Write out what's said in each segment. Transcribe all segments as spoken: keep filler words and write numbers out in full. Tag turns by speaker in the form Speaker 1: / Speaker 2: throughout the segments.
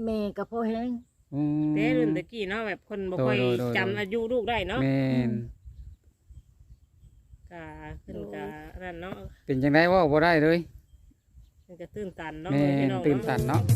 Speaker 1: แม่กับพ่อแห้ง
Speaker 2: แต่รุ่นตะกี้เนาะแบบคนบ่ค่อยจำอายุลูกได้เนาะ
Speaker 3: แม่น
Speaker 2: กะขึ้นกะนั่นเนาะ
Speaker 3: เป็นจังได๋เว้าบ่ได้เลย
Speaker 2: มันก็ตื่นตันเนาะ
Speaker 3: แม่นตื่นตันเนาะ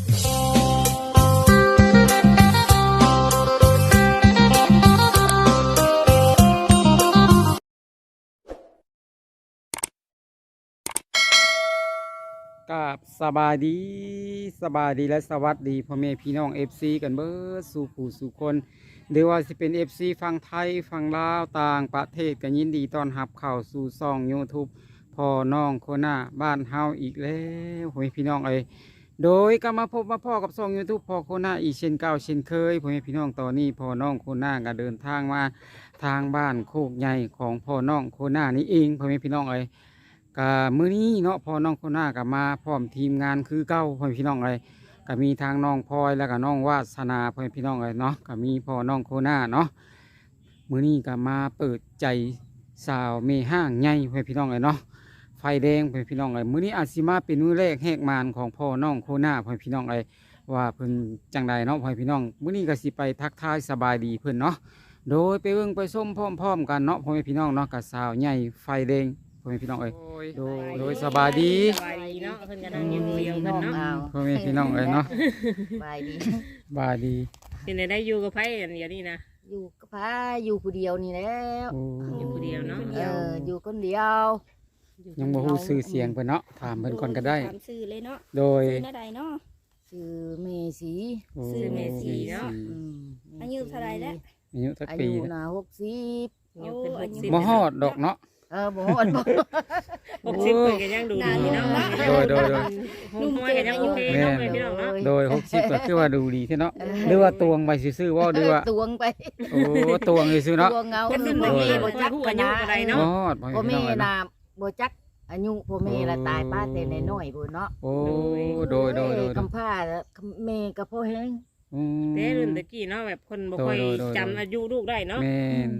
Speaker 3: กับสบายดีสบายดีและสวัสดีพ่อแม่พี่น้อง เอฟ ซี กันเบิดสู่ผู้สู่คนหรือว่าสิเป็น เอฟ ซี ฝั่งไทยฝั่งลาวต่างประเทศกันยินดีต้อนรับเข้าสู่ช่อง YouTube พ่อน้องโคน่าบ้านเฮาอีกแล้วพ่อแม่พี่น้องเอ้ยโดยก็มาพบมาพ่อกับช่อง YouTube พ่อโคน่าอีกเช่นเก่าเช่นเคยพ่อแม่พี่น้องตอนนี้พ่อน้องโคน่าก็เดินทางมาทางบ้านโคกใหญ่ของพ่อน้องโคน่านี่เองพ่อแม่พี่น้องเอ้ยก็มื้อนี้เนาะพ่อน้องโคน่าก็มาพร้อมทีมงานคือเก่าพ่อแม่พี่น้องเอ้ยก็มีทางน้องพลอยแล้วก็น้องวาสนาพ่อแม่พี่น้องเอ้ยเนาะก็มีพ่อน้องโคน่าเนาะมื้อนี้ก็มาเปิดใจสาวเมห้างใหญ่พ่อแม่พี่น้องเอ้ยเนาะไฟแดงพ่อแม่พี่น้องเอ้ยมื้อนี้อาจสิมาเป็นมื้อแรกแหกมานของพ่อน้องโคน่าพ่อแม่พี่น้องเอ้ยว่าเพิ่นจังใดเนาะพ่อแม่พี่น้องมื้อนี้ก็สิไปทักทายสบายดีเพิ่นเนาะโดยไปเบิ่งไปส้มพร้อมๆกันเนาะพ่อแม่พี่น้องเนาะกับสาวใหญ่ไฟแดงพ่อแม่พี่น้องเอ้ยโดยโดยสบายดี
Speaker 2: สบายดีเนาะเพิ่นก็นั่งอยู่เดียวเพิ่นเนาะ
Speaker 3: พ่อแม่พี่น้องเอ้ยเนาะ
Speaker 1: บายดี
Speaker 3: บายดี
Speaker 2: เป็นได้อยู่กับไผอันเดียวนี่นะ
Speaker 1: อยู่กับพาอยู่ผู้เดียวนี่แล้ว
Speaker 2: อยู่ผู้เดียวเนาะ
Speaker 1: เอออยู่คนเดียว
Speaker 3: ยังบ่ฮู้ชื่อเสียงเพิ่นเนาะถามเพิ่นก่อนก็ได้
Speaker 4: ถามชื่อเลยเนาะ
Speaker 3: โดย
Speaker 4: ชื่อใดเนาะ
Speaker 1: ชื่อเมสี
Speaker 2: ชื่อเมสีเนาะ
Speaker 4: อายุเท่าไรแล้ว
Speaker 3: อายุสัก
Speaker 1: อา
Speaker 3: ปี
Speaker 1: ยุน่ะหกสิบ
Speaker 2: อยู่เป็นหกสิบ
Speaker 3: บ่ฮอดดอกเนาะ
Speaker 1: เออบ่ฮอดบ่
Speaker 2: หกสิบเพิ่นก็ยังดูดีเนาะ
Speaker 3: โดยโดยโดย
Speaker 2: นุ่มก็ยังโอเคเนาะพี่น้องเนาะ
Speaker 3: โดยหกสิบก็คือว่าดูดีแท้เนาะหรือว่าตวงไปซื่อๆว่าหรือว่า
Speaker 1: ตวงไป
Speaker 3: โอ้ตวงซื่อๆเนาะ
Speaker 1: ตวงเอา
Speaker 2: คนรุ่นบ่มีบ่จักอายุปานใดเนาะ
Speaker 3: บ่ฮอดพ่อแม่พี่น้อง
Speaker 1: น่ะบ่จักอายุพ่อแม่ละตายป้าแต่น้อยๆพุ่นเนาะ
Speaker 3: โอ้โดยโดยโดย
Speaker 1: คำพาแม่กับพ่อแห้ง
Speaker 2: แต่รุ่นตะกี้เนาะแบบคนบ่ค่อยจำอายุลูกได้เนาะ
Speaker 3: แม่น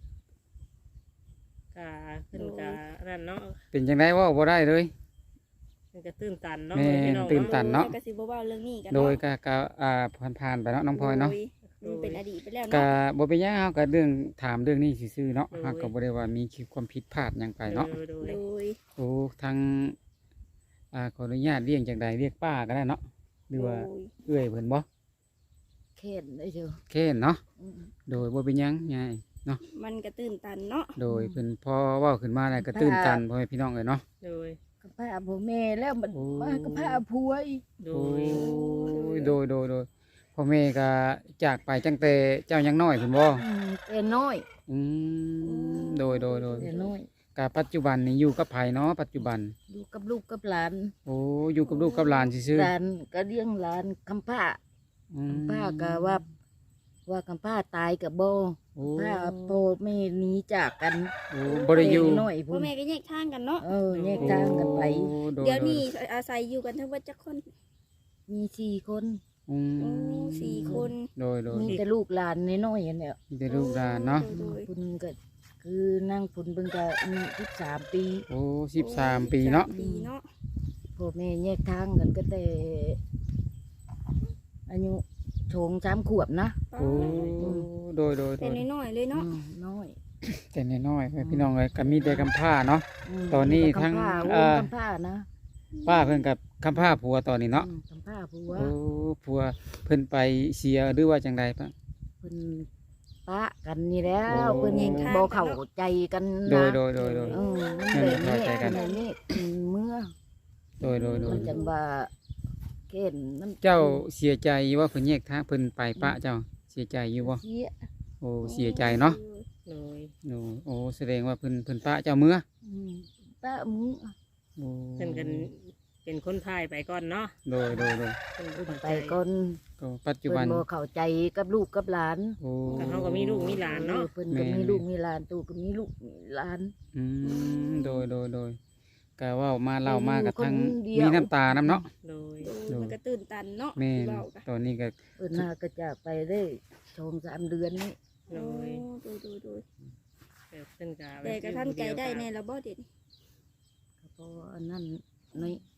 Speaker 2: กะขึ้นกะนั่นเนาะ
Speaker 3: เป็นจังได๋เว้าบ่ได้เลย
Speaker 2: มันก็ตื่นตันเนาะ
Speaker 3: พี่น้องตื่นตันเนาะ
Speaker 4: ก็สิบ่เว้าเรื่องนี้กัน
Speaker 3: โดยก็ก็อ่าผ่านๆไปเนาะน้องพลอยเนาะ
Speaker 4: มันเป็นอดีตไปแล้วเนาะ
Speaker 3: ก็บ่เป็นหยังเฮาก็เรื่องถามเรื่องนี้ซื่อๆเนาะเฮาก็บ่ได้ว่ามีความผิดพลาดหยังไปเนาะ
Speaker 2: โดย
Speaker 3: โอ้ทางอ่าขออนุญาตเรียกจังใดเรียกป้าก็ได้เนาะหรือว่าเอื้อยเพิ่นบ่
Speaker 1: เข็นได้เด้อ
Speaker 3: เข็นเนาะโดยบ่เป็นหยังยายเนาะ
Speaker 4: มันก็ตื่นตันเนาะ
Speaker 3: โดยเพิ่นพอเว้าขึ้นมาแล้วก็ตื่นตันพ่อแม่พี่น้องเอ้ยเนาะ
Speaker 2: โดย
Speaker 1: กับพาพ่อแม่แล้วมันมากับพาผัวอีก
Speaker 2: โด
Speaker 3: ยโดยโดยโดยพ่อแม่ก็จากไปจังแต่เจ้ายังน้อยเพิ่นบ่
Speaker 1: แต่น้อย
Speaker 3: อืมโดยโดยโดย
Speaker 1: แต่น้อย
Speaker 3: ก็ปัจจุบันนี่อยู่กับไผเนาะปัจจุบัน
Speaker 1: อยู่กับลูกกับหลาน
Speaker 3: โอ้อยู่กับลูกกับหลานซื่อ
Speaker 1: ๆหลานก็เลี้ยงหลานคำผ้าคำผ้าก็ว่าว่าคำผ้าตายกับโบผ้าโพไม่หนีจากกัน
Speaker 3: โอ้บ่ได้อยู่
Speaker 1: น้อย
Speaker 4: พ่อแม่ก็แยกทางกันเนาะ
Speaker 1: เออแยกทางกันไป
Speaker 4: เดี๋ยวนี้อาศัยอยู่กันทั้งหมดจักคน
Speaker 1: มีสี่คน
Speaker 3: อื
Speaker 4: มสี่คน
Speaker 3: โดยโดย
Speaker 1: มีแต่ลูกหลานน้อยๆเนี่ย
Speaker 3: มีแต่ลูกหลานเนาะ
Speaker 1: คุณก็คือนั่งคุณเพิ่งจะมีสิบสามปี
Speaker 3: โอ้สิบสามปีเนาะ
Speaker 1: พ่อแม่แยกทางกันก็แต่อายุโฉงสามขวบนะ
Speaker 3: โอ้โดยโดย
Speaker 4: แต่น้อยเลยเนาะ
Speaker 1: น้อย
Speaker 3: แต่น้อยพี่น้องเลยก็มีแต่กำผ้าเนาะตอนนี้ทั้งอ่าก
Speaker 1: ำผ้านะ
Speaker 3: ป้าเพิ่นกับคำผ้าผัวตอนนี้เนาะ
Speaker 1: คำผ้าผัว
Speaker 3: โอ้ผัวเพิ่นไปเสียหรือว่าจังใดปะ
Speaker 1: เพิ่นปะกันนี่แล้วเพิ่นบ่เข้าใจกัน
Speaker 3: โดยโดยโดยโดย
Speaker 1: เออมันเลยเข้าใจกันนี่เมื่อ
Speaker 3: โดยโดยโดย
Speaker 1: มันจังว่าเข็นมัน
Speaker 3: เจ้าเสียใจว่าเพิ่นแยกทางเพิ่นไปปะเจ้าเสียใจอยู่บ่
Speaker 1: เสีย
Speaker 3: โอ้เสียใจเนาะ
Speaker 2: โดย
Speaker 3: โอ้โอ้แสดงว่าเพิ่นเพิ่นปะเจ้าเมื่อ
Speaker 1: ปะมื้อ
Speaker 3: โอ้
Speaker 2: เพิ่นกันเป็นคนพายไปก่อนเนาะ
Speaker 3: โดยโดยโดย
Speaker 1: ไปก่อน
Speaker 3: ก็ปัจจุบัน
Speaker 1: บ่เข้าใจกับลูกกับหลาน
Speaker 3: โอ้
Speaker 2: เขาก็มีลูกมีหลานเนาะ
Speaker 1: เพิ่นก็มีลูกมีหลานตู่ก็มีลูกมีหลาน
Speaker 3: อืมโดยโดยโดยก็ว่ามาเล่ามากับทั้งมีน้ำตาน้ำเนาะ
Speaker 2: โดย
Speaker 4: มันก็ตื่นตันเนาะ
Speaker 3: แม่ตอนนี้ก็
Speaker 1: เพิ่นน่าก็จะไปได้ชมสามเดือนนี้
Speaker 2: โดย
Speaker 4: โดยโดยโดย
Speaker 2: แต่เพิ่นก็
Speaker 4: แต่กระทั่งใจได้ในระบบเด็ด
Speaker 1: เพราะอันนั้นใน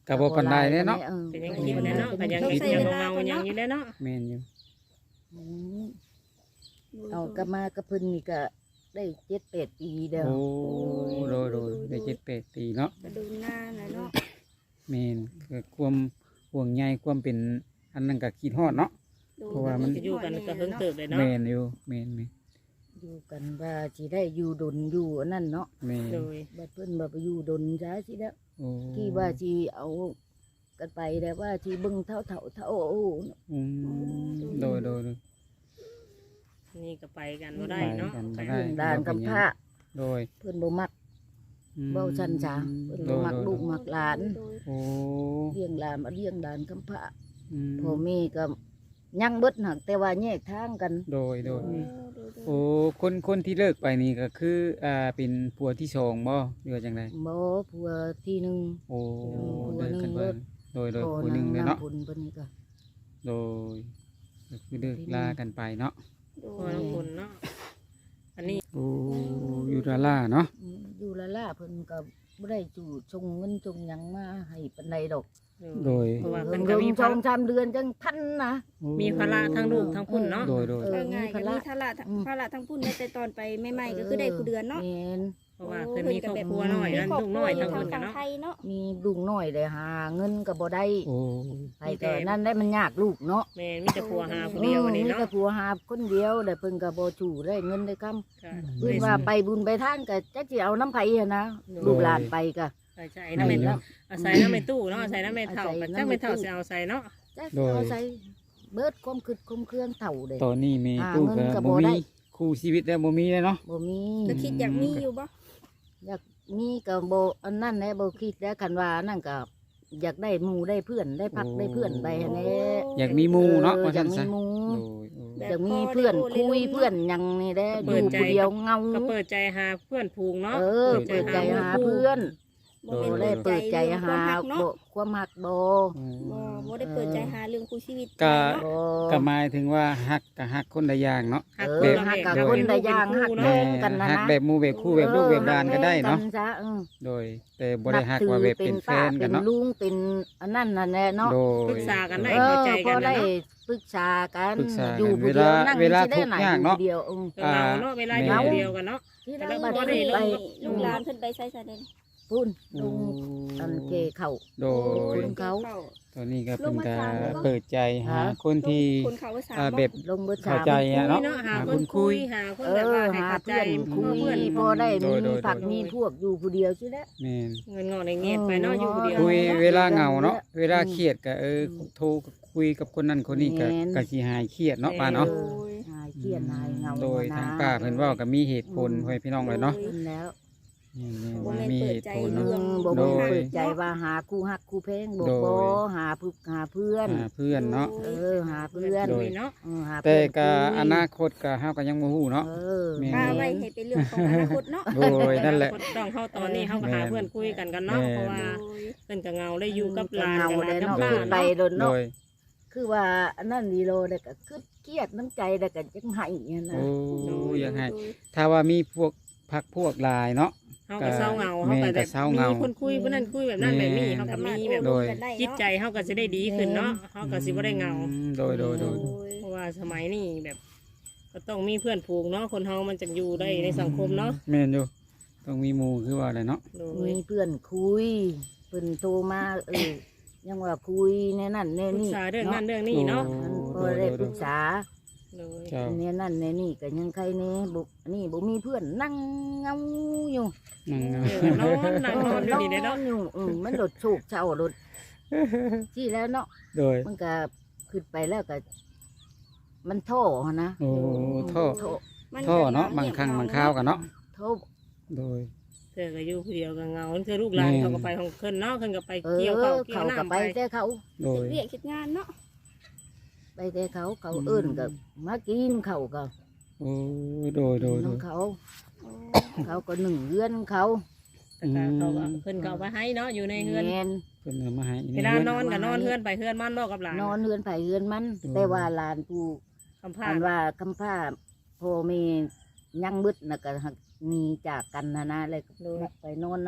Speaker 3: ก็บ่ปานใดเด้เนาะ
Speaker 1: ออ
Speaker 2: เป็นยังคิดแน่เนาะก็ยังคิดยังเงาๆยังอยู่แน่เนาะ
Speaker 3: แม่นอยู่
Speaker 1: อืมเอากลับมากระเพิ่นนี่ก็ได้เจ็ดแปดปีเด้อ
Speaker 3: โอ้โดยโดยได้เจ็ดแปดปีเนาะ
Speaker 4: กระดูหน้าน่ะเนาะ
Speaker 3: แม่นก็ความห่วงใยความเป็นอันนั้นก็คิดฮอดเนาะ เพราะว่ามัน
Speaker 2: จะอยู่กันก็เพิ่งเติบเลยเนาะ
Speaker 3: แม่นอยู่แม่นแม่น
Speaker 1: อยู่กันว่าสิได้อยู่ดนอยู่อันนั้นเนาะ
Speaker 3: แม่น
Speaker 2: โดย
Speaker 1: บัดเพิ่นบ่ไปอยู่ดนจ้าสิแล้ว
Speaker 3: โอ้
Speaker 1: ที่ว่าสิเอากันไปแต่ว่าสิเบิ่งเท่าเท่าเท่าโอ้
Speaker 3: อืมโดยโดยโดย
Speaker 2: นี่ก็ไปกันบ่ได้เนาะ
Speaker 3: ไปกันบ่ได้
Speaker 1: เรื่องด้านกำพร้า
Speaker 3: โดย
Speaker 1: เพิ่นบ่มัก
Speaker 3: อืม
Speaker 1: เว้าซั่นจ้าเพิ่น
Speaker 3: โด
Speaker 1: บ่
Speaker 3: ย
Speaker 1: มัก
Speaker 3: โดย
Speaker 1: ลูกมักหลาน
Speaker 3: โอ้
Speaker 1: เลี้ยงหลานมาเลี้ยงหลานกำพร้า
Speaker 3: อืม
Speaker 1: พ่อแม่ก็ยังเบิดหักแต่ว่าแยกทางกัน
Speaker 3: โดยโดย
Speaker 4: โอ้
Speaker 3: โอ้คนคนที่เลิกไปนี่ก็คืออ่าเป็นผัวที่สองบ่หรือว่าจังได
Speaker 1: บ่ผัวที่หนึง
Speaker 3: โอ้
Speaker 1: ผัว
Speaker 3: เลิกกัน
Speaker 1: หนึ่
Speaker 3: เบิ่
Speaker 1: ง
Speaker 3: โดยโดย
Speaker 1: พ่อ
Speaker 3: ผู้หนึงเลยเนาะ
Speaker 1: ำผลเพิ่นนี่ก็
Speaker 3: โดยก็คือเลิกลากันไปเนาะ
Speaker 2: พอน้องบุญเนาะอันนี้
Speaker 3: โอ้อยู่ดาล่าเนาะ
Speaker 1: อืมอยู่ละล่าเพิ่นก็บ่ได้จู่ชงเงินชงหยังมาให้ปานใดดอก
Speaker 3: โดย
Speaker 2: เพราะว่า
Speaker 1: เพิ่
Speaker 2: เพิ่
Speaker 1: น
Speaker 2: น
Speaker 1: ก็
Speaker 2: ก็
Speaker 1: มี
Speaker 2: มี
Speaker 1: ส
Speaker 2: ภา
Speaker 1: อง
Speaker 2: ระ
Speaker 1: สามเดือนจังทันนะ
Speaker 2: มีภาระทั้งลูกทั้งพุ่นเนาะ
Speaker 3: โดยโดย
Speaker 1: เอ
Speaker 4: เอ
Speaker 1: อ
Speaker 4: อง่าย
Speaker 1: มี
Speaker 4: ก็
Speaker 1: ภาระ
Speaker 4: มีทาระภาระทั้งพุ่นแต่ตอนไปใหม่ๆก็คือได้ผู้เดือนเนาะ
Speaker 1: แม่น
Speaker 2: เพราะว่าเพิ่นมีครอบครัวน้อยนั่นลูกน้อยทั้ง
Speaker 4: ทา
Speaker 2: เพิ่
Speaker 4: ง
Speaker 2: นกัน
Speaker 4: ฝั่ง
Speaker 2: เนาะ
Speaker 4: ไทยเนาะ
Speaker 1: มีลูกน้อยได้หาเงินก็บ่ได้
Speaker 3: โอ้
Speaker 1: ไปก็นั่นได้มันยากลูกเนาะ
Speaker 2: แม่มีแต่ผัวหาผู้เดียวนี่
Speaker 1: มี
Speaker 2: เนาะ
Speaker 1: แต่ผัวหาคนเดียวแต่เพิ่นก็บ่จู่ได้เงินได้คำ
Speaker 2: ก็
Speaker 1: เพิ่นว่าไปบุญไปทานก็จักสิเอาน้ำไผอะนะลูกหลานไปก็
Speaker 2: ใส่ใจน้ำแม่เนาะอาศัยน้ำแม่ตู้เนาะอาศัยน้ำแม่เฒ่าก็จักแม่เฒ่าสิเอาใส่เนาะ
Speaker 1: จักสิเอาใส่เบิดความคิดความเครื่องเฒ่าเด้
Speaker 3: ตอนนี้มี
Speaker 1: หา
Speaker 3: ตู้
Speaker 1: เงิ
Speaker 3: ก็
Speaker 1: นก็
Speaker 3: บ่
Speaker 1: บ่ได้
Speaker 3: มีคู่ชีวิตแล้วบ่มีเลยเนาะ
Speaker 1: บ่มี
Speaker 4: ก็คิดอยากมีอยู่บ่
Speaker 1: อยากมีก็บ่อันนั้นแหละบ่คิดแล้วคันว่านั่นก็อยากได้หมู่ได้เพื่อนได้พักได้เพื่อนไปหั่นแหละ
Speaker 3: อยากมีหมู่เนาะ
Speaker 1: ออ
Speaker 3: ว่า
Speaker 1: อยา
Speaker 3: ซั่
Speaker 1: ก
Speaker 3: น
Speaker 1: มี
Speaker 3: ซะ
Speaker 1: หมู่
Speaker 3: โดยโอ้
Speaker 1: อยากมีเพื่อนคุยเพื่อนหยังนี่แหละอยู่ผู้เดียวเงา
Speaker 2: ก็เปิดใจหาเพื่อนผูงเนาะ
Speaker 1: เออเปิดใจหาเพื่อน
Speaker 4: บ่
Speaker 1: บ่
Speaker 4: แม่น
Speaker 1: ได้เปิดใจหา
Speaker 4: ความรักเนาะ
Speaker 1: บ่ความหักบ่
Speaker 4: บ่บ่ได้เปิดใจหาเรื่องคู่ชีวิต
Speaker 3: ก็
Speaker 4: เนาะ
Speaker 1: บ่
Speaker 3: ก็หมายถึงว่าฮักก็ฮักคนละอย่างเนาะ
Speaker 2: หัก
Speaker 1: เอ
Speaker 2: คน
Speaker 1: อ
Speaker 2: ละ
Speaker 1: หัก
Speaker 2: แบบ
Speaker 1: กับ
Speaker 2: เนาะ
Speaker 1: คนละอย่าง
Speaker 2: เป็
Speaker 1: หัก
Speaker 2: คู่
Speaker 1: แม่
Speaker 2: เนาะ
Speaker 1: งกันนะ
Speaker 3: ฮัก
Speaker 1: นะ
Speaker 3: แบบหมู่แบบคู่แบบลูกแบบหลานก็ได้เนาะ
Speaker 1: ออหักแม่งกัซะเออ
Speaker 3: โดย แต่บ่ได้ฮักว่าแบบเป็นแฟนกันเนาะ
Speaker 1: ป็ลุงเป็นอันนั้นนั่นแหละเนาะ
Speaker 3: โด
Speaker 2: ปรึ
Speaker 3: ย
Speaker 2: กษากันได้
Speaker 1: เอ
Speaker 2: เข้า
Speaker 1: อ
Speaker 2: ใจ
Speaker 1: พ
Speaker 2: กั
Speaker 1: อน ได้
Speaker 2: นะเนาะ
Speaker 1: ปรึกษากัน
Speaker 3: ปรึกษากัน
Speaker 1: อยู่ผู้เดียว
Speaker 3: เวลา
Speaker 1: นั่ง
Speaker 3: เวลา
Speaker 1: สิได้ไหน
Speaker 3: ทุกข์ยาก
Speaker 1: อยู่
Speaker 3: เนาะ
Speaker 1: ผู้เดียวเออ
Speaker 2: ก็เหงาเนาะเวลาอยู่คนเดียวกันเนาะ
Speaker 1: ที่
Speaker 2: แต่
Speaker 1: เรา
Speaker 2: เรา
Speaker 1: บ่
Speaker 2: บ่ได้
Speaker 1: ได้
Speaker 2: ล
Speaker 1: ไป
Speaker 2: ง
Speaker 4: ลูกหลานเพิ่นไปใส่ซะเด้
Speaker 1: พุ่น
Speaker 3: โอ้
Speaker 1: ลุงอันเกเขา
Speaker 3: โด
Speaker 1: ค
Speaker 3: ย
Speaker 1: นเขา
Speaker 3: ตอนนี้ก็เพิ่น
Speaker 4: ลงมา
Speaker 3: ก็
Speaker 4: ถามเลยบ่
Speaker 3: เปิดใจหาคนที่
Speaker 4: คนเขาว่าสาม
Speaker 3: อ่า
Speaker 4: บ่
Speaker 3: แบบ
Speaker 1: ลงเบอร์
Speaker 3: เข้า
Speaker 1: สาม
Speaker 3: ใจ
Speaker 2: คุ
Speaker 3: อะ
Speaker 2: ย
Speaker 3: เนาะ
Speaker 2: เนาะหา
Speaker 3: หา
Speaker 2: ค
Speaker 3: คน นคุ
Speaker 2: คุ
Speaker 3: ย
Speaker 2: ยหาคน
Speaker 1: เอ
Speaker 2: แบบ
Speaker 1: อ
Speaker 2: ว่าให้
Speaker 1: หา
Speaker 2: เข้าใจ
Speaker 1: เพื่อนคุย
Speaker 2: เพื่อน
Speaker 1: พอได้
Speaker 3: โด
Speaker 1: มี
Speaker 3: ยโดย
Speaker 1: ผัก
Speaker 2: โดย
Speaker 1: มีพวกอยู่ผู้เดียวใช่ไหม
Speaker 3: แม่น
Speaker 2: เงินงอกในเงียบไปเนาะอยู่คนเดียว
Speaker 3: คุย
Speaker 1: เนาะ
Speaker 3: เวลาเหงาเนาะ
Speaker 1: อืม
Speaker 3: เวลาเครียดก็เออโทรคุยกับคนนั้นคนนี้ก็
Speaker 1: แม่น
Speaker 3: ก็สิหายเครียดเนาะป้าเนาะ
Speaker 1: ออหายเครียดหายเหงา
Speaker 3: โดย
Speaker 1: นะ
Speaker 3: ทางป้าเพิ่นเว้าก็มีเหตุผลให้พี่น้องเลยเนาะ
Speaker 1: เพิ่นแล้ว
Speaker 3: นี่
Speaker 4: บ่
Speaker 3: ๆ
Speaker 4: แม่น
Speaker 3: มี
Speaker 4: เปิ
Speaker 3: เห
Speaker 4: ด
Speaker 3: ตุ
Speaker 4: ใจ
Speaker 3: ผล
Speaker 1: เอ
Speaker 3: เนาะ
Speaker 1: อบ่
Speaker 3: โด
Speaker 1: บ่
Speaker 3: ย
Speaker 1: เปิดใจว่าหาคู่ฮักคู่เพลงบ่
Speaker 3: โดย
Speaker 1: บ่หาผู้หาเพื่อน
Speaker 3: หาเพื่อนเนาะ
Speaker 1: เออหาเพื่อน
Speaker 3: โดย
Speaker 2: เนาะ
Speaker 1: เออหา
Speaker 3: แต่
Speaker 1: เพื่อน
Speaker 3: ก็
Speaker 1: คุย
Speaker 3: อนาคตก็เฮาก็ยังบ่ฮู้เนาะ
Speaker 1: เออ
Speaker 3: แม่
Speaker 4: ป้าไว้ให้เป็นเรื่องของอนาคตเนาะ
Speaker 3: โดยนั่นแหละ
Speaker 2: ต้องเข้าตอนนี้เข้าก็หาเพื่อนคุยกันกันเนาะ
Speaker 3: แม่
Speaker 2: เพราะว่า
Speaker 4: โดย
Speaker 2: เพิ่นก็เงาได้อยู่กับหลาน
Speaker 1: เงา
Speaker 2: กับหลา
Speaker 1: ได้
Speaker 2: นกับ
Speaker 1: เนาะ
Speaker 2: ป้า
Speaker 1: ขึ้นไป
Speaker 2: เนาะ
Speaker 1: โดน
Speaker 3: โด
Speaker 1: เนาะ
Speaker 3: ย
Speaker 1: คือว่าอันนั้นดีโลได้ก็คือเครียดน้ำใจได้ก็จังไห้เนี่ยนะ
Speaker 3: โอ้อยากให้ถ้าว่ามีพวกพักพวกหลายเนาะ
Speaker 2: เฮาก็เศร้าเงา
Speaker 3: แม่
Speaker 2: เฮาก็แบบ
Speaker 3: ก็เศร้าเงามี
Speaker 2: มีคนคุยผู้นั้นคุยแบบนั้นแบบนี้เฮาก็มีแบบ
Speaker 3: โดย
Speaker 2: จิตใจเฮาก็สิได้ดีขึ้นเนาะเฮาก็สิบ่ได้เงา
Speaker 3: อืมโดยโดยโดย
Speaker 2: เพราะว่าสมัยนี้แบบ ก็ต้องมีเพื่อนผูกเนาะคนเฮามันจะอยู่ได้ในสังคมเนาะ
Speaker 3: แม่นอยู่ต้องมีหมู่คือว่าอะไรเนาะ
Speaker 2: โดย
Speaker 1: มีเพื่อนคุยเพิ่นโทรมาเออยังว่าคุยในนั่นใน
Speaker 2: ปรึก
Speaker 1: นี่
Speaker 2: ษาเรื่องนั้นเรื่องนี้เนาะ
Speaker 1: มันพอได้ปรึกษา
Speaker 2: โดย
Speaker 3: เจ้า
Speaker 1: ในนั่นในนี่ก็ยังใครเน่บุนี่บ่มีเพื่อนนั่งเงาอยู่
Speaker 3: นั่ง
Speaker 2: เออนอนนั่งนอนอยู่นี่ได้เนาะ
Speaker 1: อยู่อืมมันโดดโศกเศร้าโดดที่แล้วเนาะ
Speaker 3: โดย
Speaker 1: มันก็ขึ้นไปแล้วก็ มันโท่นะ
Speaker 3: โอ้ท่อ
Speaker 1: โท่
Speaker 3: ท่อเนาะบางครั้งบางคราวกันเนาะ
Speaker 1: โท่
Speaker 3: โดย
Speaker 2: เธอก็อยู่ผู้เดียวก็เงาคือลูกหลาน
Speaker 3: แม่
Speaker 2: เขาก็ไปของเพิ่นเนาะเพิ่นก็ไป
Speaker 1: เอ
Speaker 2: เกี่ยว
Speaker 1: อ
Speaker 2: ข้าวเกี่ย
Speaker 1: เขา
Speaker 2: ว
Speaker 1: ก็
Speaker 2: น้ำ
Speaker 1: ไป
Speaker 2: ไป
Speaker 1: แต่เขา
Speaker 3: โดย
Speaker 4: เรียกคิดงานเนาะ
Speaker 1: ไปแต่เขาเขา
Speaker 3: อืม
Speaker 1: เอื้นก็มากินเขาก็
Speaker 3: โอ้โดยโดยโด
Speaker 1: น้อย งเขา
Speaker 4: โอ้
Speaker 1: เขาก็หนึ่งเรือนเขา
Speaker 2: แต่ก็เขาก็เพิ่นก็เอาไปให้เนาะอยู่ในเฮือน
Speaker 1: แม่น
Speaker 3: เพิ่นเอามาให้
Speaker 2: เวลานอนก็นอนเฮือนไปเฮือนมันบ่กับหลาน
Speaker 1: นอนเรือนไผ่เรือนมัน แต่ว่าหลานกู
Speaker 2: คำพา
Speaker 1: อันว่าคำผ้าพ่อแม่ยังบึดนะก็หักหนีจากกันนะนะเลยก็ไปนอนน้
Speaker 2: เอ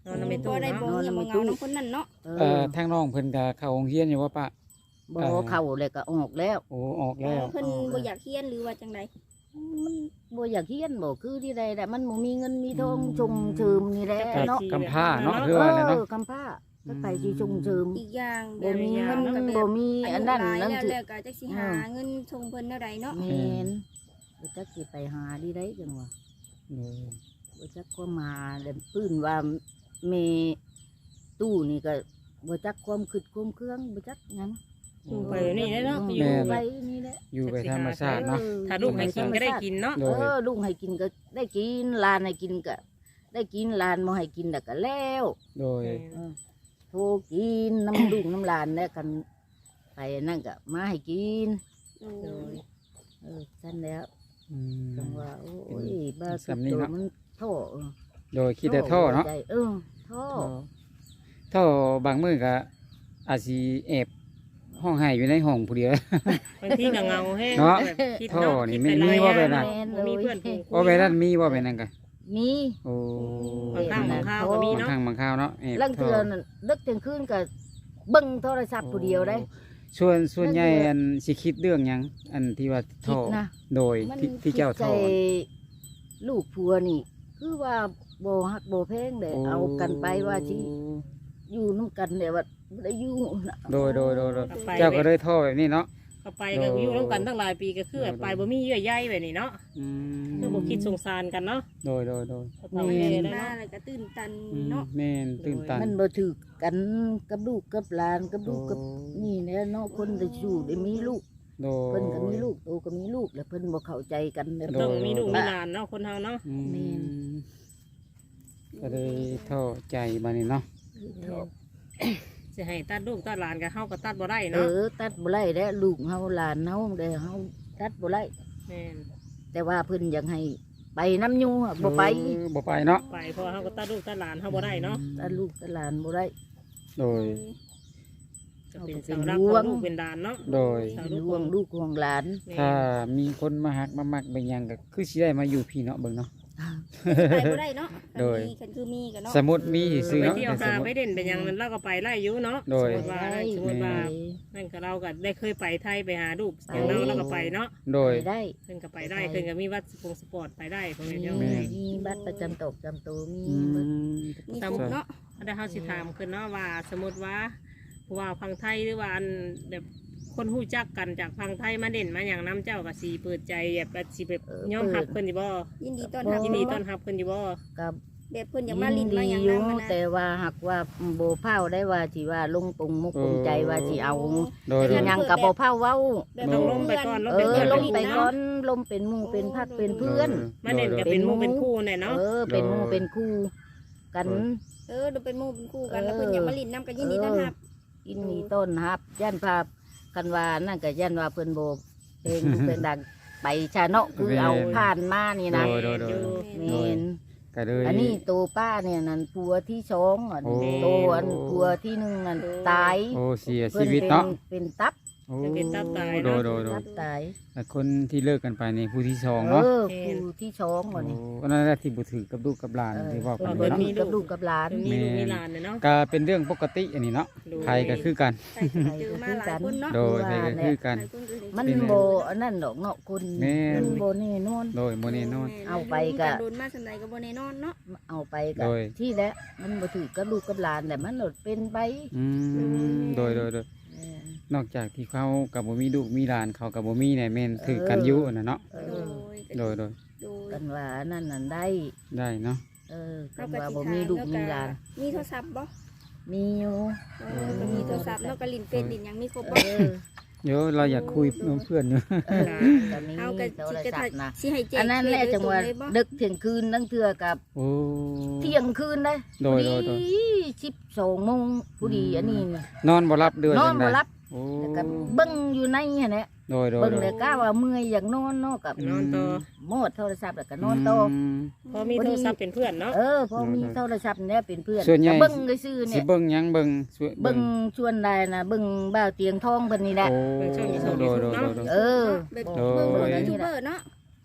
Speaker 2: นอนนำไป
Speaker 4: บ่
Speaker 2: ตู้
Speaker 4: ได้
Speaker 2: เนาะ
Speaker 4: บ่เงียบบ่เหงาน้ำคนนั้นเนาะ
Speaker 1: เอ
Speaker 3: เอ่อ
Speaker 1: อ
Speaker 3: ทางน้องเพิ่นก็เข้าโรงเรียนอยู่ว่าปะ
Speaker 1: บ่
Speaker 3: เออ
Speaker 1: เข้าเลยก็ออกแล้ว
Speaker 3: โอ้ออกแล้ว
Speaker 4: เพิ่นบ่อยากเรียนหรือว่าจังได
Speaker 1: มันบ่อยากเฮียนบ่คือที่ใดแหละมันบ่มีเงินมีทองชงเชิมนี่แหละ
Speaker 3: ก็
Speaker 1: เนาะ
Speaker 3: กำพร้าเนาะ
Speaker 2: เออ
Speaker 3: คือว่าเนี่ย
Speaker 1: เอ
Speaker 3: เนาะ
Speaker 1: อกำพร้าก็ไปสิชงเชิม
Speaker 4: อีกอย่างแบ
Speaker 1: บ่
Speaker 4: บ
Speaker 1: มี
Speaker 4: นี้
Speaker 1: เงิน
Speaker 4: ก็แบบ
Speaker 1: บ่มีอันนั้น
Speaker 4: อายุหลาย
Speaker 1: นั่น
Speaker 4: แล้ว
Speaker 1: สิ
Speaker 4: แล้วก็จักสิหาเงินส่งเพิ่นเท่าใดเนาะ
Speaker 1: แม่นบ่จักสิไปหาดีได้จังว่า
Speaker 3: เออ
Speaker 1: บ่จักความหาแล้วปื้นว่าแม่ตู้นี่ก็บ่จักความคิดความเครื่องบ่จักหยัง
Speaker 2: อยู่ไปแบบนี้แหละเนาะ
Speaker 1: อ
Speaker 2: อยู่ ยู่
Speaker 1: ไปนี่แหละ
Speaker 3: อยู่ไปธรรมชาติเนาะ
Speaker 1: ออ
Speaker 2: ถ้าลูกให้กินก็ได้กินเนาะ
Speaker 3: โด
Speaker 1: เอย อลุงให้กินก็ได้กินหลานให้กินก็ได้กินหลานบ่ให้กินแต่ก็แล้ว
Speaker 3: โดย
Speaker 1: เออโทรกินน้ำลุงน้ำหลานแล้วกันไปนั่นก็มาให้กิน
Speaker 4: โอ้
Speaker 2: โดย
Speaker 1: เออฉันแล้ว
Speaker 3: อืม
Speaker 1: จังว่าโอ้ยบ้าสุ
Speaker 3: สำ
Speaker 1: ด
Speaker 3: นี้
Speaker 1: โต
Speaker 3: เนาะ
Speaker 1: มันท่อเออ
Speaker 3: โดยคิดแต่ท่อเนาะ
Speaker 1: ใจเออท่อ
Speaker 3: ท่อบางมื้อก็อาจสิแอบห้องไห้อยู่ในห้องผู้เดียว
Speaker 2: บางทีก็เงาแห้ง
Speaker 3: เนาะ
Speaker 2: แบบคิด
Speaker 3: ท่อ
Speaker 2: เนาะ
Speaker 3: นี่
Speaker 2: คิด
Speaker 3: มี
Speaker 2: ไปหลาย
Speaker 3: ว่าแบบ
Speaker 2: อย่
Speaker 3: นั้น
Speaker 2: งเนาะบ่มีเพื่อนฝูงคุย
Speaker 3: ว่าไปนั้นมีว่าไปนั่นก็
Speaker 1: มี
Speaker 3: โอ้
Speaker 2: บางครั้งบางคราวก็มี
Speaker 3: บาง
Speaker 2: เนาะ
Speaker 3: ครั้งบางคราวเนาะแอบ
Speaker 1: ลังเทือนั่นเลิกเที่ยงคืนก็เบิ่งโทรศัพท์ผู้เดียวได้
Speaker 3: ส่วนส่วนใหญ่อันสิคิดเรื่องหยังอันที่ว่า
Speaker 1: คิ
Speaker 3: ท่อ
Speaker 1: ดนะ
Speaker 3: โดย
Speaker 1: มัน
Speaker 3: ที่ที่เจ้า
Speaker 1: คิดใจ
Speaker 3: ท่อ
Speaker 1: ลูกผัวนี่ คือว่าโบฮักโบแพงเด้เอากันไปว่าสิอยู่น้ำกันเดี๋ยวว่าบ่ได้อยู่น่ะ
Speaker 3: โดยโดยโดยโดย
Speaker 2: เอาไป
Speaker 3: เจ้าก็เลยท่อแบบนี้เนาะ
Speaker 2: ก็ไปก็อยู่ร่วมกันตั้งหลายปีก็คือแบบไปบ่มีเยื่อใยแบบนี้เนาะ
Speaker 3: อืม
Speaker 2: คือบ่คิดสงสารกันเนาะ
Speaker 3: โดยโดยโดย
Speaker 2: ก็ต้องแม่ได้
Speaker 4: มา
Speaker 2: เนาะ
Speaker 4: แล้วก็ตื่นตัน
Speaker 3: อืม
Speaker 4: เนาะ
Speaker 3: แม่นตื่นตัน
Speaker 1: มันบ่ถือกันกับลูกกับหลานกับลูกกับ
Speaker 3: โอ้
Speaker 1: นี่แหละเนาะคนได้ชูได้มีลูก
Speaker 3: โดย
Speaker 1: เพิ่นก็มีลูกโตก็มีลูกแล้วเพิ่นบ่เข้าใจกันเด้อ
Speaker 3: โด
Speaker 2: ต้องมีลูกมีหลานเนาะคนเฮาเนาะ
Speaker 3: อืม
Speaker 1: แม่น
Speaker 3: ก็เลยท่อใจมานี่เนาะ
Speaker 2: สิให้ตัดลูกตัดหลานก็เฮาก็ตัดบ่ได้
Speaker 1: เอ
Speaker 2: เนาะ
Speaker 1: อตัดบ่ได้แล้วลูกเฮาหลานเฮาเด้เฮาตัดบ่ได้
Speaker 2: แม่น
Speaker 1: แต่ว่าเพิ่นอยากให้ไปน้ำอยู่อะบ่ไป
Speaker 3: เออบ่ไปเนาะ
Speaker 2: ไปเพราะว่าเฮาก็ตัดลูกตัดหลานเฮาบ่ได้เนาะ
Speaker 1: ตัดลูกตัดหลานบ่ได้
Speaker 3: โดย
Speaker 2: ก็เป็นเสาหลักของลูกเป็นหลานเนาะ
Speaker 3: โดย
Speaker 2: เสา
Speaker 1: เป็น
Speaker 2: ลูก
Speaker 1: ห่วงลูกห่วงหลาน
Speaker 2: แม่
Speaker 3: ถ้ามีคนมาหักมามักเป็นหยังก็คือสิได้มาอยู่พี่เนาะเบิ่งเนาะ
Speaker 4: ไปบ่ได้เนาะ
Speaker 3: โดย
Speaker 4: คันคือมีกันเนาะ
Speaker 3: สมมุติมีซื้อ
Speaker 2: ไป
Speaker 3: เนาะ
Speaker 2: เที่ยว
Speaker 3: ส
Speaker 2: หาม
Speaker 3: มุ
Speaker 2: ไป
Speaker 3: ติ
Speaker 2: เด่นเป็นหยังนั้นเราก็ไปไล่อยู่เนาะ
Speaker 3: โดย
Speaker 2: สมมติว่าสมมติว่านั่นก็เราก็ได้เคยไปไทยไปหาลูกอย่างเราเราก็ไปเนาะ
Speaker 3: โดย
Speaker 1: ไปได้
Speaker 2: เพิ่นก็ไปได้เพิ่นก็มีวัดสปงสปอร์ตไปได้พ่อแม่
Speaker 1: มี
Speaker 2: เจ้า
Speaker 3: แม่
Speaker 1: มีบัตรประจำตกจำตัวมี
Speaker 3: อื
Speaker 1: เบิด
Speaker 3: ม
Speaker 4: มีครบเนาะ
Speaker 2: ถ้าได้เฮาสิถามขึ้นเนาะว่าสมมติว่าผู้ว่าพังไทยหรือว่าอันแบบคนฮู้จักกันจากพังไทยมาเด่นมาอย่างน้ำเจ้าก็สิเปิดใจแบบว่าสิแบบยอมรับเพิ่นอยู่บ่
Speaker 4: ยินดีต้อนรับ
Speaker 2: ยินดีต้อนรับเพิ่นอยู่บ่
Speaker 1: กับ
Speaker 4: แบบเพิ่นอยากมาลิ้น
Speaker 1: ดี
Speaker 4: มาหยัง
Speaker 1: อยู่
Speaker 4: นำมานะ
Speaker 1: แต่ว่าหากว่าโบเผาได้ว่าสิว่าลงปรุงมุกปรุงใจว่าสิเอา
Speaker 3: โดยโด
Speaker 1: สิ
Speaker 3: ย
Speaker 1: หยังกับโบเผาเว้า
Speaker 4: แบบ
Speaker 2: ต้องลงไปก่อนลง
Speaker 1: เอ
Speaker 2: ไป
Speaker 1: อ
Speaker 2: ก่อน
Speaker 1: ลงไปก่อนลมเป็นหมู่เป็นพักเป็นเพื่อน
Speaker 2: มาเด่นก็เป็นหมู่เป็นคู่แน่เนาะ
Speaker 1: เออเป็นหมู่เป็นคู่กัน
Speaker 4: เออดูเป็นหมู่เป็นคู่กันแล้วเพิ่นอยากมาลิ้นนํกันยินดีต้อนรับ
Speaker 1: กินมีต้นฮับย่านภาพกันว่านั่นก็ย่านว่าเพิ่นโบเพลงลูกเพลงดังไปชาเนาะคือเอาผ่านมานี่นะ
Speaker 3: โดยโดยโดย
Speaker 1: เมน
Speaker 3: ก็เลย
Speaker 1: อันนี้ตัวป้าเนี่ยนั่นผัวที่สองอ่ะ
Speaker 3: โอ้
Speaker 1: ตัวอันผัวที่หนึ่งนั่นตาย
Speaker 3: โอ้เสีย
Speaker 1: เพิ่
Speaker 3: ชี
Speaker 1: น
Speaker 3: วิต
Speaker 1: เป็น
Speaker 3: เนาะ
Speaker 1: เป็นตับ
Speaker 3: โอ้
Speaker 2: เป็นตับตาย
Speaker 3: โด
Speaker 2: เนาะ
Speaker 3: ยโดยโดย
Speaker 1: ตับตาย
Speaker 3: แต่คนที่เลิกกันไปนี่ผู้ที่สอง
Speaker 1: เอ
Speaker 3: เนาะ
Speaker 1: อผู้ที่สองอ่ะนี่
Speaker 3: โอ้อันนั้นแหละที่บุถือกับลูกกับหลาน
Speaker 1: เออ
Speaker 3: ที่ว่ากัน
Speaker 1: เพิ่น
Speaker 3: เนาะ
Speaker 1: มีกับลูกกับหลาน
Speaker 2: มีลูกมีหลานเนี่ยเนาะ
Speaker 3: ก็เป็นเรื่องปกติอันนี้เนาะ
Speaker 2: ดู
Speaker 3: ไทยก็คือกัน
Speaker 4: ใช่ค่ะเจอมาหลายคนเนาะ
Speaker 3: โดยไทยก็คือกัน
Speaker 4: หลายคนก็เลย
Speaker 1: มันโบอันนั้นดอกเนาะคน
Speaker 3: แม่น
Speaker 1: มันโบนี่นวล
Speaker 3: โดยโมเนนอน
Speaker 1: เอาไปก็
Speaker 4: โดนมาสำใดก็บ่แน่นอนเนาะ
Speaker 1: เอาไปกั
Speaker 3: โดย
Speaker 1: ที่แล้วมันบ่ถือกับลูกกับหลานแต่มันหลดเป็นไป
Speaker 3: อืมโดยโดยโดย
Speaker 1: เออน
Speaker 3: อกจากที่เขากับบ่มีลูกมีหลานเขากับบ่มีเนี่ยแม่นถือกันอยู่น่ะเนาะ
Speaker 1: เอ
Speaker 4: โด
Speaker 1: อย
Speaker 3: โดยโดย
Speaker 4: โดย
Speaker 1: กันว่านั่นนั่นได้
Speaker 3: ได้เนาะ
Speaker 1: เออกั
Speaker 4: เรา
Speaker 1: น
Speaker 4: ก็
Speaker 1: ว่า
Speaker 4: สิ
Speaker 1: บ่
Speaker 4: ถา
Speaker 1: มี
Speaker 4: ม
Speaker 1: ลูก
Speaker 4: แล้ว
Speaker 1: มี
Speaker 4: ก็
Speaker 1: หลาน
Speaker 4: มีโทรศัพท์บ่
Speaker 1: มีอยู่
Speaker 4: เออก็มีโทรศัพท์เนาะก็ลิ้นเฟซลิ้นหยังมีครบ
Speaker 1: เอ
Speaker 4: บ่
Speaker 1: อ
Speaker 3: เดี๋ยวเราอยากคุยเพื่อนอยู่
Speaker 1: เออก็มี
Speaker 4: เอาก็
Speaker 1: โท
Speaker 4: สิ
Speaker 1: ร
Speaker 4: จะ
Speaker 1: ศัพท์นะ
Speaker 4: สิให้แจ้ง
Speaker 1: อันนั้นแหละจังหวะ
Speaker 4: เขตโดยตรเลยบ่
Speaker 1: ดึกเที่ยงคืนนั่งเทื่อกับ
Speaker 3: โอ้
Speaker 1: เที่ยงคืนได้
Speaker 3: โดยโดยโดย
Speaker 1: สิบสองโมงผู้ดีอันนี้น่ะ
Speaker 3: นอนบ่รับเดือน
Speaker 1: นอน
Speaker 3: จัง
Speaker 1: บ่
Speaker 3: ใด
Speaker 1: รับ
Speaker 3: โอ้
Speaker 1: แล้วก็เบิ่งอยู่ในหั่นแหละ
Speaker 3: โดยโดย
Speaker 1: เบิ่ง
Speaker 3: โดย
Speaker 1: แล้วก็ว่าเมื่อยอยากนอนเนาะกับ
Speaker 2: นอนต่อ
Speaker 1: โมดโทรศัพท์แล้วก็นอนต่อ
Speaker 3: ม
Speaker 2: พอมีโทรศัพท์เป็นเพื่อนเนาะ
Speaker 1: เออพอมีโทรศัพท์เนี่ยเป็นเพื่อน
Speaker 3: ส่วนใหญ่
Speaker 1: ก็เบิ่งซื่อๆ
Speaker 3: สิ
Speaker 1: เนี่ย
Speaker 3: เบิ่งหยังเบิ่งสวย
Speaker 1: เบิ่งชวนได้นะเบิ่งบ่าวเตียงทองเพิ่นนี่แหละ
Speaker 3: โอ้
Speaker 2: เบิ่งช่อง YouTube
Speaker 3: โดยโดยโดยโดย
Speaker 1: เออ
Speaker 4: แบบ
Speaker 3: โดย
Speaker 4: เบิ่งของยูทูบเบอร์เนาะ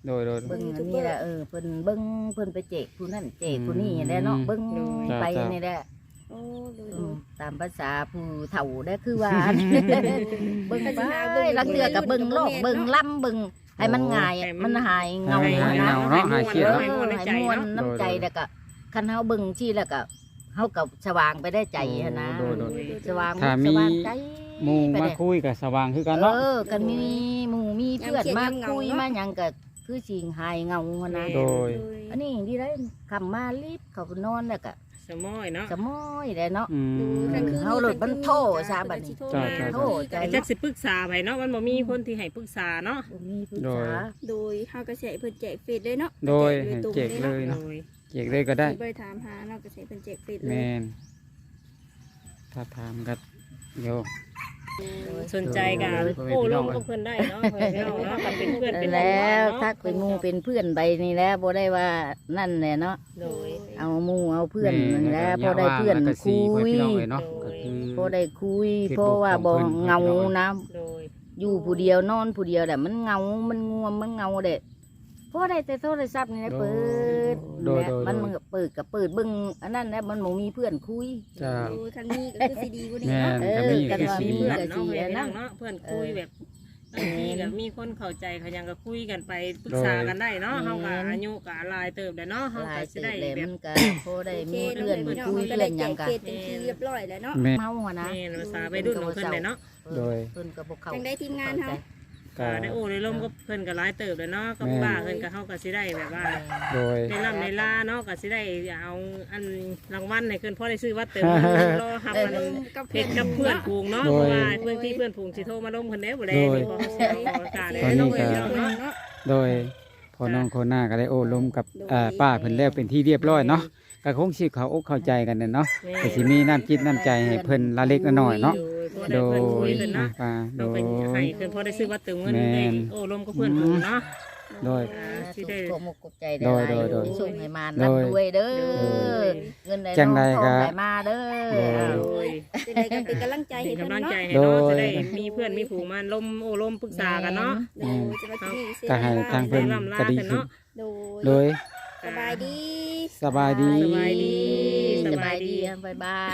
Speaker 3: โดยโดย
Speaker 1: เบิ่งอันนี้แหละเออเพิ่นเบิ่งเพิ่นไปเจกผู้นั่นเจกผู้นี้แหละเนาะเบิ่งไปนี่แหละ
Speaker 4: โอ้โดย
Speaker 1: อื
Speaker 4: โด
Speaker 1: ม
Speaker 4: ย
Speaker 1: ตามภาษาผู้เฒ่าได้คือว่า เบิ่งไปลังเทื่อก็เบิ่งโลกเบิ่งล่ำเบิ่งให้มันง่ายมันหายเงา
Speaker 3: หาย
Speaker 1: นะ
Speaker 3: เงาเนาะหายเครียด
Speaker 1: เออ
Speaker 3: เนาะ
Speaker 1: ให้ม่วนน้ำใจแล้วก็คันเฮาเบิ่งที่แล้วก็เฮาก็สว่างไปได้ใจหั้นนะ
Speaker 3: โดยโดย
Speaker 1: สว่าง
Speaker 3: ถ้ามี
Speaker 1: สว่างใจ
Speaker 3: หมู่
Speaker 1: ไป
Speaker 3: มา
Speaker 1: ได้
Speaker 3: คุยกับสว่างคือกัน
Speaker 1: เอ
Speaker 3: เนาะ
Speaker 1: อกันมีหมู่มีเพื่อนมาคุยมาหยังก็คือสิหายเงาหั้นนะ
Speaker 3: โดย
Speaker 1: อันนี้ที่ได้คำมารีบเขาก็นอนแล้วก็
Speaker 2: สมอยเนาะ
Speaker 1: สะม้อยได้เนาะ
Speaker 3: อืม
Speaker 1: เฮาโหลดมันโทรซะบัดนี้
Speaker 3: จ้าจ้า
Speaker 1: โทรใจ
Speaker 2: แต่จักสิปรึกษาไปเนาะมันบ่มีคนที่ให้ปรึกษาเนาะ
Speaker 1: บ่มีปรึก
Speaker 3: โดย
Speaker 1: ษา
Speaker 4: โดยเฮาก็สิให้เพิ่นแจกเฟซเลยเนาะ
Speaker 3: โดย
Speaker 4: แจ
Speaker 3: ให้
Speaker 4: ตรง
Speaker 3: เจกเลย
Speaker 2: โด
Speaker 3: เนาะ
Speaker 2: ย
Speaker 3: เจกเลยก็ได้
Speaker 4: บ่ได้ถามหาเนาะก็สิให้เพิ่นแจกเฟซเล
Speaker 3: แม
Speaker 4: ย
Speaker 3: นถ้าถามกันเดี๋ยว
Speaker 2: สนใจกันโอ้ลงกับเพิ่นได้เนาะเพิ่นเนาะเนาะกันเป็นเพื่อนเป็น
Speaker 1: แล้วทักเป็นหมู่เป็นเพื่อนไปนี่แหล้วบ่ได้ว่านั่นแหละเนาะ
Speaker 2: โดย
Speaker 1: เอาหมู่เอาเพื่อน
Speaker 3: แม่
Speaker 1: นั่นแหล้ว
Speaker 3: ก็
Speaker 1: พอได้เพื่อน
Speaker 3: ย่าว่างแล้วก็
Speaker 1: คุ
Speaker 3: สี่
Speaker 1: ย
Speaker 3: พี่น้องเลยเนาะก็คือ
Speaker 1: พอได้คุย
Speaker 3: คือ
Speaker 1: เพราะว่า
Speaker 3: บ
Speaker 1: บ่
Speaker 3: อกของเพิ่น
Speaker 1: เงานะ
Speaker 2: โดย
Speaker 1: อยู่ผู้เดียวนอนผู้เดียวแหละมันเงา มันง่วงมันเงาเด็ดพอได้แต่โทรศัพท์นี่แหละเปิด
Speaker 3: โดย
Speaker 1: และ
Speaker 3: โดย
Speaker 1: มัน
Speaker 3: โดย
Speaker 1: มันก็เปิดกับเปิดเบิ่งอันนั้นแหละมันบ่มีเพื่อนคุย
Speaker 3: จ้า
Speaker 4: โอ้คันนี้ก็คือสิดีกว่านี้
Speaker 3: แม่
Speaker 4: เนาะ
Speaker 3: น
Speaker 1: เอ
Speaker 3: ก็
Speaker 1: อ
Speaker 3: มี
Speaker 1: กัน
Speaker 3: คือ
Speaker 1: ว่า
Speaker 3: สี
Speaker 1: มี
Speaker 2: เพื่
Speaker 1: เพื่
Speaker 2: อ
Speaker 1: อน น
Speaker 2: เนาะ
Speaker 1: สี
Speaker 2: ให้
Speaker 1: นะ
Speaker 2: นั่งเนาะเพื่อนคุยแบบบางทีก็มีคนเข้าใจเขายังก็คุยกันไปปรึกษากันได้เนาะเฮาก็อายุก็หลายเติบได้เนาะเฮา
Speaker 1: หลา
Speaker 2: ก็
Speaker 1: ย
Speaker 2: สิ
Speaker 1: เติ
Speaker 2: ได้
Speaker 1: บเลย
Speaker 2: แบ
Speaker 1: มั
Speaker 2: บ
Speaker 1: นก็พอได้
Speaker 4: โอเค
Speaker 1: มี
Speaker 4: เนาะ
Speaker 1: เพื่อน
Speaker 4: เพิ่น
Speaker 1: คุย
Speaker 4: ก็
Speaker 1: เรื่
Speaker 4: ได้
Speaker 1: องห
Speaker 4: แจ
Speaker 1: ยัง
Speaker 4: ก
Speaker 1: กัน
Speaker 4: เฟซเป็นที่เรียบร้อยแล้วเนาะ
Speaker 3: แม่น
Speaker 1: เมาอะนะ
Speaker 2: แม่นภาษาวัยรุ่นของเพิ่นเลยเนาะ
Speaker 3: โดย
Speaker 1: เพิ่นก็บ่เข้า
Speaker 4: จังได้ทีมงานเฮา
Speaker 3: ก็
Speaker 2: ก็ได้โอ้ได้ร่มก็เพิ่นก็หลายเติบแล้วเนาะก็ว่าเพิ่นก็เฮาก็สิได้แบบว่า
Speaker 3: โดย
Speaker 2: ในลำในลาเนาะก็สิได้เอาอันรางวัลให้เพิ่นพอได้ซื้อวัดเติมรอหับมัน
Speaker 4: กับ
Speaker 2: เพชรกับเพื่อนฝูงเนาะ
Speaker 3: โด
Speaker 2: เพ
Speaker 3: ย
Speaker 2: ราะว่าเพื่อนที่เพื่อนฝูงสิโทรมาล้มเพิ่นเด้บ่ได้
Speaker 3: โดย
Speaker 2: นี่พอเขาเสียออกอากาศเลย
Speaker 3: ตอนนี้
Speaker 2: ต้อง
Speaker 3: ก็
Speaker 2: เนาะเนาะ
Speaker 4: เนาะ
Speaker 3: โดยพอน้องโคน่าก็ได้โอ้ลมกับอ่าป้าเพิ่นแล้วเป็นที่เรียบร้อยเนาะก็คงสิเขาอกเข้าใจกันนั่นเนาะก็สิมีน้ำจิตน้ำใจให้เพิ่นละเล็กละน้อยเนาะ
Speaker 2: โด
Speaker 3: โด
Speaker 2: ยเพื่อนคุ
Speaker 3: ย
Speaker 2: ยกัน
Speaker 3: อ่า
Speaker 2: เนาะ
Speaker 3: ป้าโด
Speaker 2: เรา
Speaker 3: ย
Speaker 2: ไปให้เพิ่นพอได้ซื้อวัดเติมเงิน
Speaker 3: แม่
Speaker 2: ได้
Speaker 3: น
Speaker 2: โอ้ล้มกับเพื่อนฝูงเนาะ
Speaker 3: โดย
Speaker 2: อ่าสิ
Speaker 1: สุ
Speaker 2: ได้
Speaker 1: ขมกกบใจได้
Speaker 3: โด
Speaker 1: ห
Speaker 3: ย
Speaker 1: ลาย
Speaker 3: โดยโดย
Speaker 1: ส่งให้มา
Speaker 3: โด
Speaker 1: นับ
Speaker 3: ย
Speaker 1: ด้วยเด้อ
Speaker 2: โดย
Speaker 1: เงินได้
Speaker 3: จังใด
Speaker 1: น้องท
Speaker 3: ก็
Speaker 1: องได้มาเด้อ
Speaker 3: โดย
Speaker 1: เอา
Speaker 2: โดย
Speaker 4: จะได้ก็เป็นกำลังใจ
Speaker 2: เป็
Speaker 4: ให้
Speaker 2: น
Speaker 4: เพิ่น
Speaker 2: กำลัง
Speaker 4: เนาะ
Speaker 2: ใจให้เนาะ
Speaker 3: โดย
Speaker 2: จะได้มีเพื่อนมีฝูงมาล้มโอ้ล้มปรึกษากันเนาะ
Speaker 4: โดยจะมาที่นี่เสีย
Speaker 3: ก็ให้ทางเพิ่น
Speaker 2: ล่ำลา
Speaker 3: ก็ดี
Speaker 2: กัน
Speaker 3: ขึ้น
Speaker 2: เนาะ
Speaker 4: โดย
Speaker 3: โดย
Speaker 4: สบายดี
Speaker 3: สบายดี
Speaker 2: สบายดี
Speaker 1: สบายดีบายบาย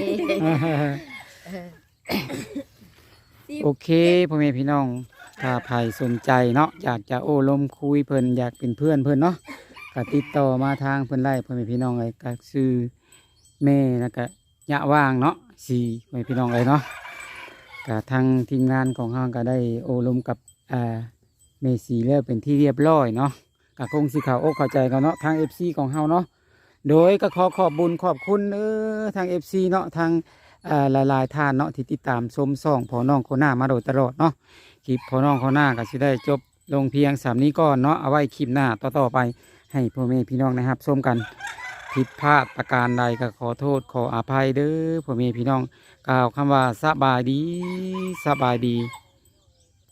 Speaker 3: โอเคพ่อแม่พี่น้องถ้าใครสนใจเนาะอยากจะโอ้ลมคุยเพิ่นอยากเป็นเพื่อนเพิ่นเนาะก็ติดต่อมาทางเพิ่นไล่พ่อแม่พี่น้องเลยก็ซื้อแม่แล้วก็ยะว่างเนาะสี่พ่อแม่พี่น้องเลยเนาะก็ทางทีมงานของเฮาก็ได้โอ้ลมกับอ่าเมสีแล้วเป็นที่เรียบร้อยเนาะก็คงสิเข้าอกเข้าใจกันเนาะทาง เอฟ ซี ของเฮาเนาะโดยก็ขอขอบบุญขอบคุณเออทาง เอฟ ซี เนาะทาง อ่าหลายๆท่านเนาะที่ติดตามชมส่องพอน้องโคน่ามาโดยตลอดเนาะคลิปพอน้องโคน่าก็สิได้จบลงเพียงสามนี้ก่อนเนาะเอาไว้คลิปหน้าต่อๆไปให้พ่อแม่พี่น้องนะครับชมกันผิดพลาดประการใดก็ขอโทษขออภัยเด้อพ่อแม่พี่น้องกล่าวคำว่าสบายดีสบายดี